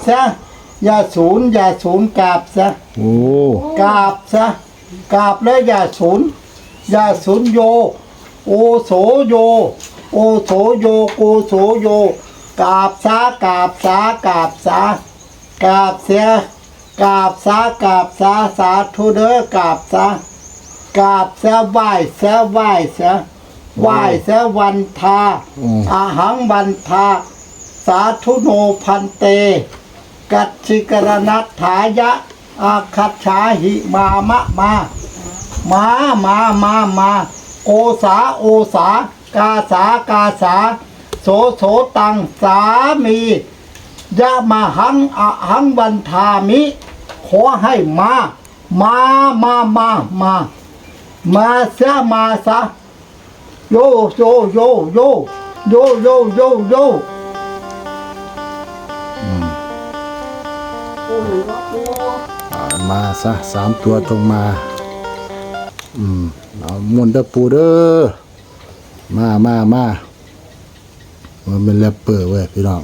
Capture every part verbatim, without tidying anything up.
ซะอย่าศูนย์อย่าศูนย์กราบซะโอ้กราบซะกราบแล้วอย่าศูนย์อย่าศูนย์โยโอโสโยโอโสโยโกโสโยกราบซากราบสากราบสากราบเสียกราบสากราบสาสาธุเด้อกราบสากราบเสียไหว้เสียไหว้เสียไหว้เสียวันทาอาหังวันทาสาธุโนพันเตกัจฉิกรณัตถายะอาคัจฉาหิมามะมามามามามาโอสาโอสากาสากาสาโสโสตังสามียะมาหังอะหังวันทามิขอให้มามามามามามาเสียมาซะโยโยโยโยโยโยโยโยอ่ามาซะสามตัวตรงมาอืมเอามวนเด้อปูเด้อมามามามันเป็นแรปเปอร์เว้ยพี่น้อง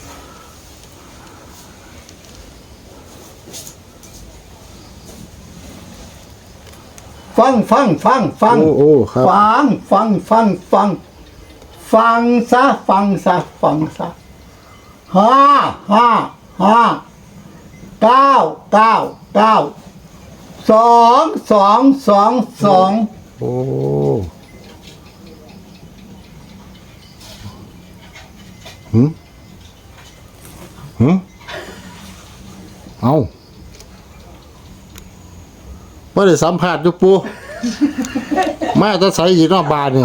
ฟังฟังฟังฟังโอ้โอ้ครับฟังฟังฟังฟังฟังซะฟังซะฟังซะห้าห้าห้าเก้าเก้าเก้าสองสองสองสองโอ้หืมหืมเอาไม่ได้สัมผัสอยู่ปูมาจะใส่ยีนอกบานเนี่ย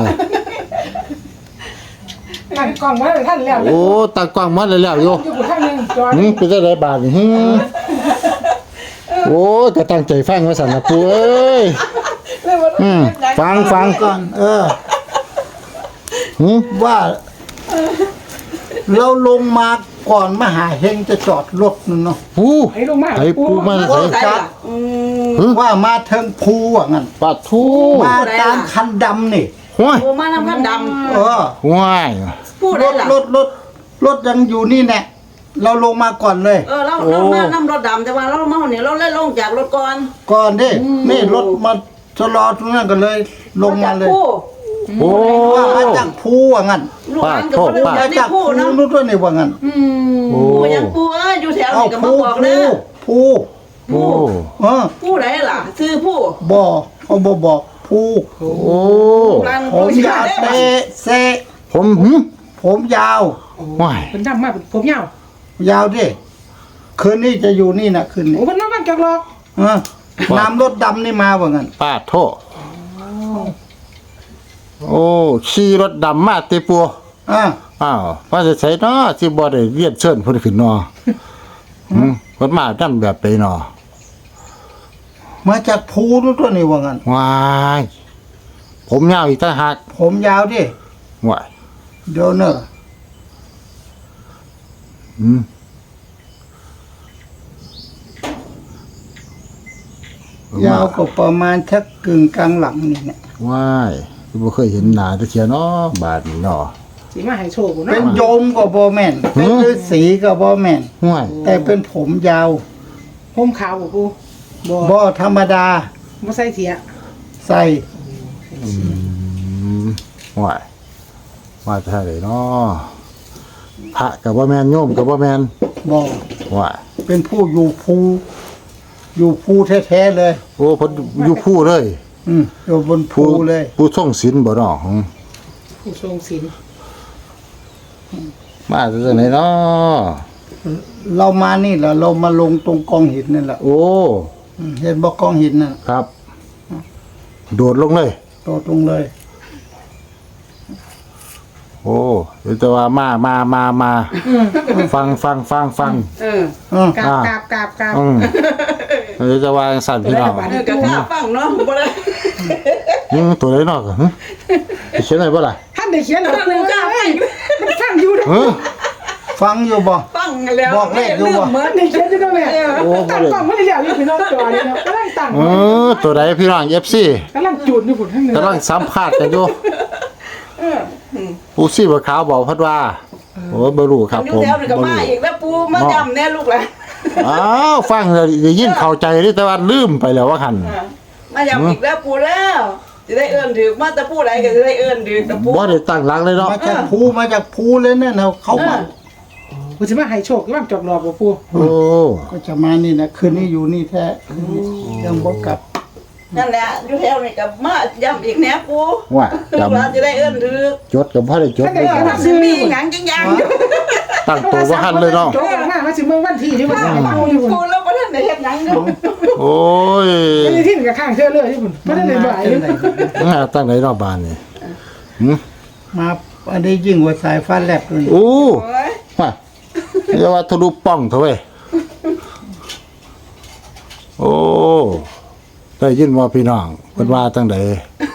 ตั้งกล้องไว้ท่านแล้วโอ้ตากว้างมาเลยแล้วโยอยู่ท่านนึงจอหืมเป็นอะไรบานหืมโอ้ก็ตั้งใจฟังว่าสันนะปูเอ้ยอืมฟังฟังก่อนเออหืมว่า เราลงมาก่อนมหาเฮงจะจอดรถนั่นเนาะปูให้ลงมาไอ้ปูมาใส่จัดว่ามาเทิงภูว่างั้นปาทูมาตามคันดำนี่ห้วยโอ้มาน้ำกันดเออห้วยำผู้รใดถล่ะรถรถรถยังอยู่นี่แน่เราลงมาก่อนเลยเออเราเรามาน้ำรถดำแต่ว่าเรามาเนี่ยเราเล่นลงจากรถก่อนก่อนดินี่รถมาชะลอตรงนั้นก็เลย ลงมาเลยผู้โอ้ว่ามาจากภูว่างั้นลูกหลานกับคนมาเดียวนี่จากภูผู้เนาะนู่นด้วยนี่ว่างั้นโอ้ผู้ยังผู้เอ้ยอยู่แถวเอานี้ก็มาภูบอกภูเลยภูโอ้เออผู้ใดล่ะซื้อผู้บ่เขาบ่บอกภูโอ้ร้านผมผู้ยาวเตเตะเซะผมหืมผมยาวห้วยเป็นดำมากผมยาวยาวดิคืนนี้จะอยู่นี่นะคืนนี้โอ้เป็นน้องกันจากหรอกเออน้ำรถดำนี่มาว่างั้นป้าโทษโอ้ขี่รถดำมาเตปัวอ่าอ้าวว่าจะใส่เนาะที่บ่ได้เรียนเชิญเพิ่นขึ้นเนาะหืมเพิ่นมาดำแบบใดเนาะมาจากภูนู่นด้วยนี่ว่างั้นว้ายผมยาวอีกต่างหากผมยาวดิว้ายเดี๋ยวเนอะอืมยาวก็ประมาณชักกึ่งกลางหลังนี่เนี่ยว้ายบ่เคยเห็นหน้าตะเคียนเนาะบาดนี้เนาะสีมาให้โชว์กูเป็นเนาะโยมก็บ่แม่นเป็นฤาษีก็บ่แม่นห้วยแต่เป็นผมยาวผมขาวบ่กูบ่บ่ธรรมดาบ่ใส่เสียใส่อืมว้ายว่าจะได้เนาะพระก็บ่แม่นโยมก็บ่แม่นบ่ว้ายเป็นผู้อยู่ภูอยู่ภูแท้ๆเลยโอ้เพิ่นอยู่ผู้เลยอืมอยู่บนภูเลยผู้ทรงศีลบ่เนาะหืมผู้ทรงศีลมาจากไหนเนาะเรามานี่แหละเรามาลงตรงกองหินนั่นแหละโอ้อืมเห็นบ่กองหินน่ะครับ โดดลงเลยโตตรงเลยโอ้เดี๋ยวจะว่ามามามามาฟังฟังฟังฟังเออเออกราบกราบกราบกราบอืมเดี๋ยวจะว่าสั่นพี่น้องเออกระทาฟังเนาะบ่ได้อืมตัวไหนเนาะหึไปเขียนอะไรบ่ล่ะท่านได้เขียนหรอกูจ้าเอ้ยมันฟังอยู่เด้อเออฟังอยู่บ่ฟังแล้วบอกเลขอยู่บ่เหมือนได้เขียนอยู่เด้อแม่โอ้บ่ตั้งได้กล้องไม่ได้แล้วอยู่พี่น้องจอนี่เนาะกำลังตั้งเออตัวไหนพี่น้อง เอฟ ซีกำลังจูดอยู่พุ่นข้างนึงกำลังสัมภาษณ์กันอยู่ผู้ซี่บ่ขาวบอกเพิ่นว่าอโอ้บ่รู้ครับอยู่ผมแถวนี่ก็บ่มารู้อีกแล้วปูมาจำแน่ลูกหลานอ้าวฟังแล้วได้ยินเข้าใจเด้แต่ว่าลืมไปแล้วว่าหั่นมาจำอีกแล้วปูแล้วจะได้เอื้อนถือมาแต่ปูไหนก็จะได้เอื้อนถือแต่ปูบ่ได้ตั้งหลักเลยเนาะมาจากภูมาจากภูเลยเนี่ยนะเขามากูจะมาให้โชคว่างจอกหลอกบ่ปูโอ้ก็จะมานี่นะคืนนี้อยู่นี่แท้คืนนี้ยังบ่กลับนั่นแหละอยู่แถวนี่ก็มาย้ำอีกแน่ปูว่าลูกหลานจะได้เอื้อนถือจดก็บ่ได้จดถ้าเลเกิยดคว่ารับซื้อมีหยังจังยังอยู่ตั้งตัวบ่ทันเลยเนาะโจกมามาสิเมืองวันที่ที่มันให้ปูอยู่พุ่นปูแล้วก็ท่านได้เฮ็ดหยังอยู่โอ้ยไอ้ที่กับข้างเชื่อเลยที่พุ่นบ่ได้เลยบ่ายอยู่มาตั้งไหนเนาะบ้านนี่หึมาอันนี้ยิ่งกว่าสายฟ้าแลบเลยโอ้โอ้ยว่าเรียกว่าทะลุป้องเถอะเว้ยโอ้ได้ยินว่าพี่น้องเพิ่นว่าจังได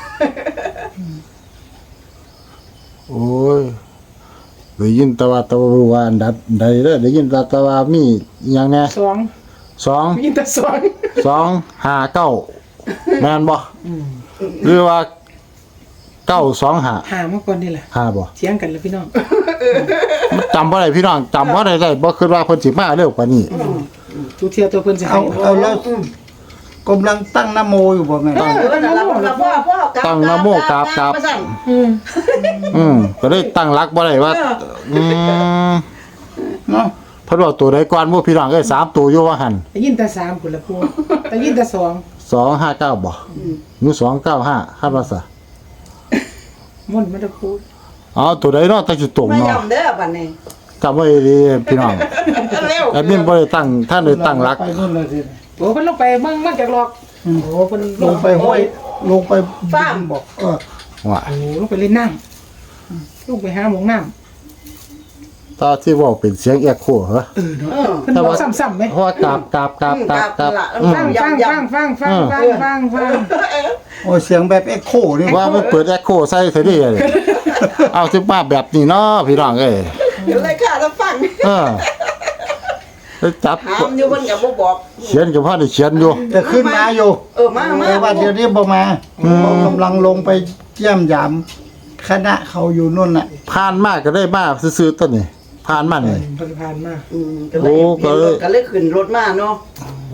โอ้ยได้ยินแต่ว่าแตะว่าอันดับใดเด้อได้ยินแต่แต่ว่ามีอหยังแหน่สองสองมีแต่สองสองห้าเก้าแม่นบ่หรือว่าเก้าสองห้าหามาก่อนนี่แหละห้าบ่เถียงกันแล้วพี่น้องจำบ่ได้พี่น้องจำบ่ได้ได้บ่คิดว่าเพิ่นสิมาเร็วกว่านี้ทุเทียตัวเพิ่นสิเอาให้เอาแล้วกำลังตั้งนะโมอยู่บ่แม่เออนั่นล่ะพ่อพ่อพ่อกราบตั้งนะโมกราบกราบมาสั่นอืมอืมก็ได้ตั้งหลักบ่ได้ว่าอืมเนาะเพิ่นว่าตัวใดก่อนบ่พี่น้องเอ้ยสามตัวอยู่ว่าหั่นได้ยินแต่สามพุ่นละปูได้ยินแต่สองสองห้าเก้าบ่หรือสองเก้าห้าคาดว่าซะม่วนมันจะพูดเอาตัวใดเนาะตั้งสิตรงมาเนาะย้ำเด้อบัดนี้จำไว้ดีพี่น้องเร็วแอดมินบ่ได้ตั้งท่านได้ตั้งหลักไปนู่นเลยสิโอ้เพิ่นลงไปเมืองเมืองจากหลอกโอ้เพิ่นลงไปห้วยลงไปฟ้ามบอกเออว่าโอ้ลงไปเล่นน้ำลงไปหาหมองน้ตาที่เว้าเป็นเสียงแอคโคเหรอำเออเนาะเออเพิ่นบอกซ้ำๆไหมเพราะว่ากราบกราบกราบกราบกราบอืมฟังฟังฟังฟังฟังฟังฟังฟังโอ้เสียงแบบเอ็กโคนี่ว่ามันเปิดแอคโคใส่เสียดิเอาสิมาแบบนี้เนาะพี่น้องเอ้ยเดี๋ยวเลยค่ะแล้วฟังเออไปจับถามอยู่เพิ่นก็บ่บอกเขียนกับพ่อได้เขียนอยู่จะขึ้นมาอยู่เออมามาแต่ว่าเดี๋ยวนี้บ่มาเขากำลังลงไปเยี่ยมยามคณะเขาอยู่นู่นน่ะผ่านมากก็ได้มากซื้อๆต้นนี่ผ่านมานี่เพิ่นผ่านมาอืมก็เลยโอ้ก็เลยก็เลยขึ้นรถมาเนาะโอ้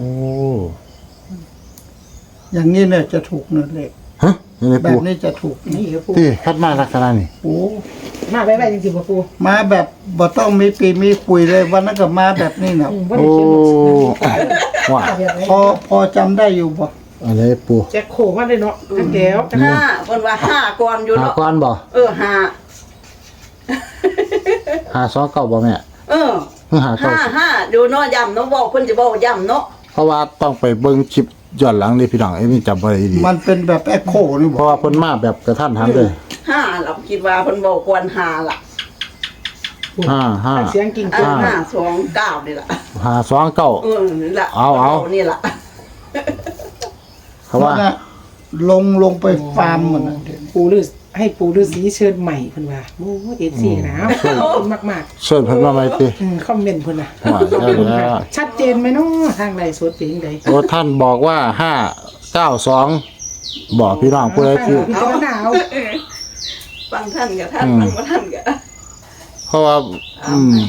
อย่างนี้เนี่ยจะถูกเนินเลขฮะยังไงแบปูบนี้จะถูกนี่ครับปูที่คัดมาลักษณะนี่โอ้มาไปไปจริงๆป่ะปูมาแบบบ่ต้องมีปีมีคุยเลยวันนั้นก็มาแบบนี้น่ะอืมว่าโอ้ได้เขียนหมดว่าแบบไหนพอพอจำได้อยู่บ่อะไรปูแจ็คโคมาเลยเนาะทั้งแก้วทั้งห้าเพิ่นว่าห้าก่อนอยู่หาเนาะก้อนบ่เออห้าหาสองเก้าบ่แม่เออเพิ่งหาเก้าห้าห้าดูเนาะย้ำเนาะบอกเพิ่นจะบอกย้ำเนาะเพราะว่าต้องไปเบิ่งคลิปย้อนหลังนี่พี่น้องไอ้นี่จำบ่ได้ดีมันเป็นแบบเอ็กโคนี่เพบ่ราะว่าเพิ่นมาแบบกระทันหันเลยห้าเราคิดว่าเพิ่นบอกควรห้าล่ะห้าห้าเสียงกิ่งอ่าก้าห้าสองเก้านี่ล่ะหาสองเก้าเออนี่ล่ะเอาเอานี่ล่ะเขาว่านั่นน่ะลงลงไปฟาร์มมันน่ะปูฤาษีให้ปูฤาษีเชิญใหม่เพิ่นว่าโอ้เอฟซีนะขอบคุณมากเชิญเพิ่นมาใหม่ติๆอืมคอมเมนต์เพิ่นน่ะว่าได้แล้วชัดเจนไหมเนาะทางไลฟ์สดเป็นจังไดโอ้ท่านบอกว่าห้าเก้าสองบอกพี่น้องผู้ใดที่พิจารณาเอาฟังท่านกับท่านอืมฟังบ่ท่านกับเพราะว่า อืม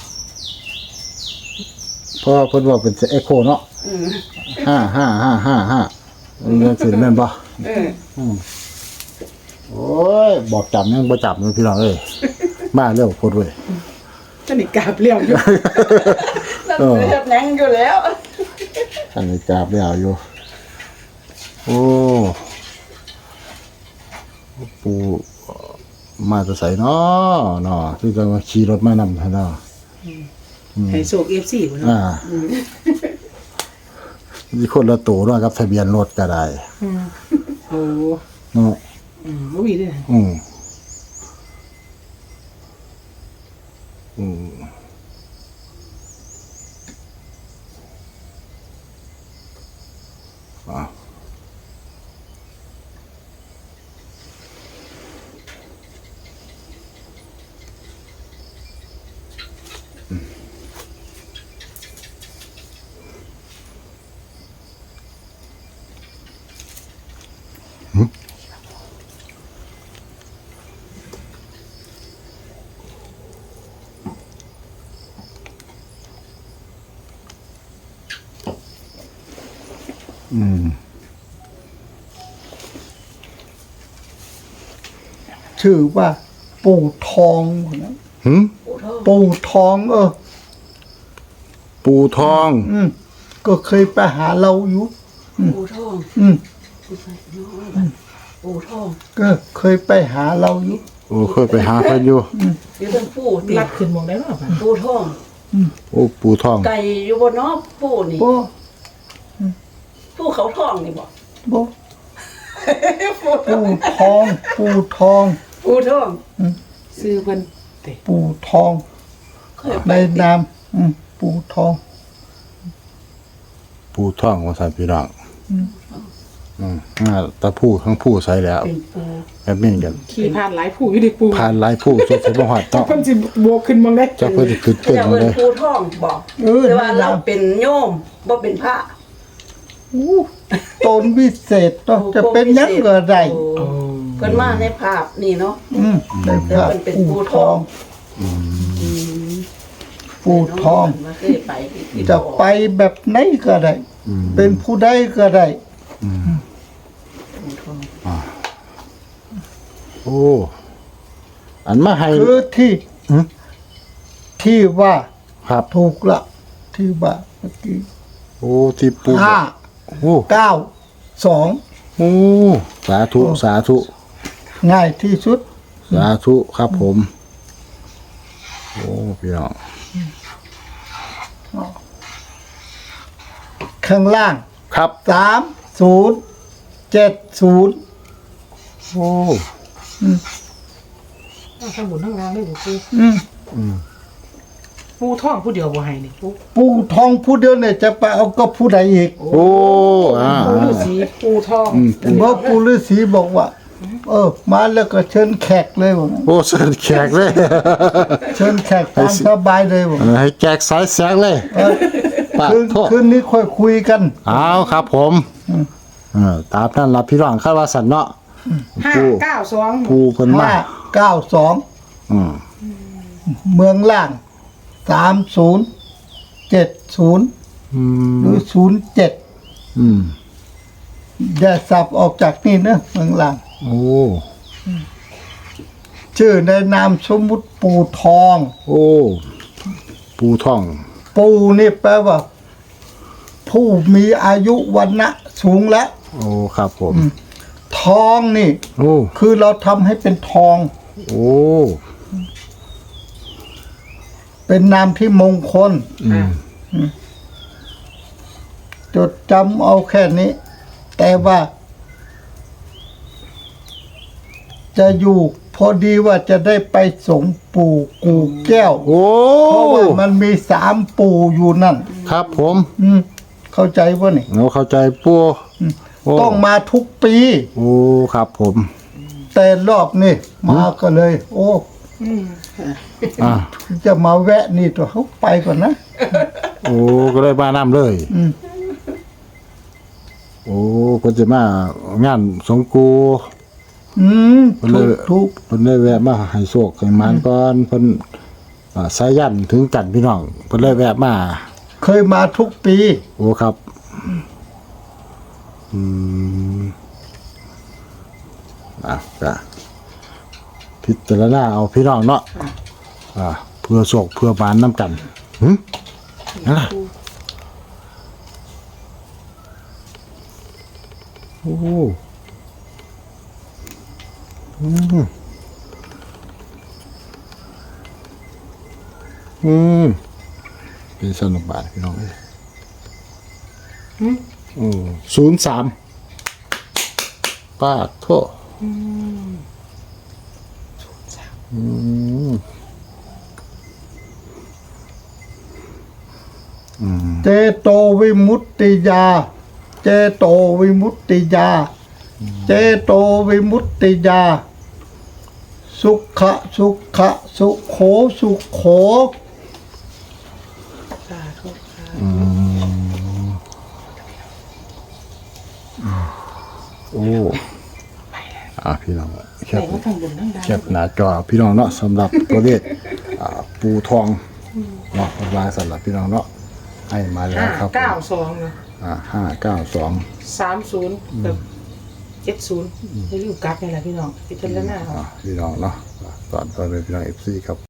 เพราะว่าเพิ่นว่าเป็นเอ็กโคเนาะอืมห้าห้าห้าห้าห้าเรื่องสิแม่นบ่เออโอ้ยบอกจับยังบ่จับเลยพี่น้องเอ้ยมาเร็วโพดเว้ยจะนี่กราบเลี้ยวอยู่นั่นคือเฮ็ดหยังอยู่แล้วอันนี้จับแล้วอยู่ โอ้ปูมาจะใส่เนาะเนาะที่จะมาขี่รถมานำให้เนาะให้โชค เอฟ ซี พุ่นอ่าเนาะมีคนละตัวเนาะกับทะเบียนรถก็ได้อืมโอ้เนาะอืมบ่มีเด้ออืมอืมอ่ะอืมชื่อว่า ปู่ทองนะหืมปูทองปู่ทองเออปูทองอืมก็เคยไปหาเราอยู่ปูทองอืมปูทองก็เคยไปหาเราอยู่โอ้เคยไปหาเพิ่นอยู่เดี๋ยวเป็นปูติรับขึ้นมองได้หรอเปล่าปูทองโอ้ปูทองไก่อยู่บนเนาะปูนี่บ่ปูเขาทองนี่บอกบ่ปูทองปู่ทอง ปู่ทองปูทองซื้อเพิ่นเตะปู่ทองเคยไปในนามอืมปู่ทองปูทองว่าซั่นพี่น้องอืมอ่าตะผู้ทั้งผู้ใส่แล้วเป็นปูแอบนี้กันขี่ผ่านหลายผู้อยู่ดิปูผ่านหลายผู้สุดสิบ่ฮอดจัเนาะกเพิ่นสิโบกขึ้นมองได้จักเพิ่นสิขึ้นเขาเพิ่นจะมาเป็นได้ปูทองบอกเออแต่ว่าในเรานามเป็นโยมบ่เป็นพระอู้ตนวิเศษเนาะจะเป็นหยังก็ได้โอ้เพิ่นมาในภาพนี่เนาะอืมในแต่พระมันเป็นปู่ปูททออง งปู่ทองมาเคยไปที่จะไปแบบไหนก็ได้ เป็นผู้ใดก็ได้ปูทองโอ้อันมาให้คือที่หือที่ว่าครับถูกละที่ว่าเมื่อกี้โอ้ที่ปูห้าโอ้เก้าสองโอ้สาธุสาธุง่ายที่สุดสาธุครับผม โอ้พี่น้องข้างล่างครับสามศูนย์เจ็ดศูนย์โอ้ทั้งบนทั้งล่างเลยบ่ปูอืมปูท่องผู้เดียวบ่ให้นี่ปูปู่ทองผู้เดียวเนี่ยจะไปเอากับผู้ใดอีกโอ้อ่าปูฤาษีปูทองเพราะปู่ฤาษีบอกว่า เออ มาแล้วก็เชิญแขกเลยบอกโอ้เชิญแขกเลยเชิญแขกตามสบายเลยบอกเออให้แจกสายแสงเลยเออปาคืนโทษคืนนี้ค่อยคุยกันเอาครับผมเออตามนั้นรับพี่น้องคาดว่าสันเนาะห้าปูเก้าสองปูเพิ่นมาห้าเก้าสองอืมเมืองล่างสามศูนย์เจ็ดศูนย์อืมหรือศูนย์เจ็ดอืมอย่าสับออกจากนี่นะเมืองล่างโอ้ชื่อในนามสมมุติปู่ทองโอ้ปูท่องปู่นี่แปลว่า ผู้มีอายุวันนะสูงแล้วโอ้ครับผมทองนี่โอ้คือเราทำให้เป็นทองโอ้เป็นนามที่มงคลอืมจดจำเอาแค่นี้ แต่ว่า จะอยู่พอดีว่าจะได้ไปส่งปู่กูแก้วโอ้เพราะว่ามันมีสามปู่อยู่นั่นครับผมอืม เข้าใจป่ะนี่เราเข้าใจปูโต้องมาทุกปีโอ้ครับผมแต่รอบนี่มาก็เลย โอ้อ่าจะมาแวะนี่ตัวเขาไปก่อนนะโอ้ก็เลยมาน้ำเลยอืมโอ้เพิ่นจะมางานสงกูอืมเพิ่นเลทุยกทุกเพิ่นได้แวะมาให้โชคให้หมานก่อนเพิ่นอ่าสายันถึงกันพี่น้องเพิ่นเลยแวะมาเคยมาทุกปีโอ้ครับ อืมอ่ะก็พิจารณาเอาพี่น้องเนาะอ่าเพื่อโชคเพื่อหมานน้ำกันหึนั่นล่ะโอ้อืมอืมเป็นสนุกบาทพี่น้องเอ้ยอืมศูนย์สามป้าโทษอืมเจโตวิมุตติยา เจโตวิมุตติยา เจโตวิมุตติยา สุขะสุขะสุโขสุโขสาธุค่ะโอ้อ่าพี่น้องแคแต่บว่าทั้งบนทั้งล่างแคบหน้าจอพี่น้องเนาะสำหรับตัวเลขอ่าปูทองเนาะวางสำหรับพี่น้องเนาะให้มาแล้วห้าครับผมเก้าสองเนาะอ่าห้าเก้าสองสามศูนย์กับเจ็ดศูนย์ไม่ลืมกลับนี่แหละพี่น้องพิจารณาเอาอ่าพี่น้องเนาะตอนตอนเป็นพี่น้องเอฟซีครับ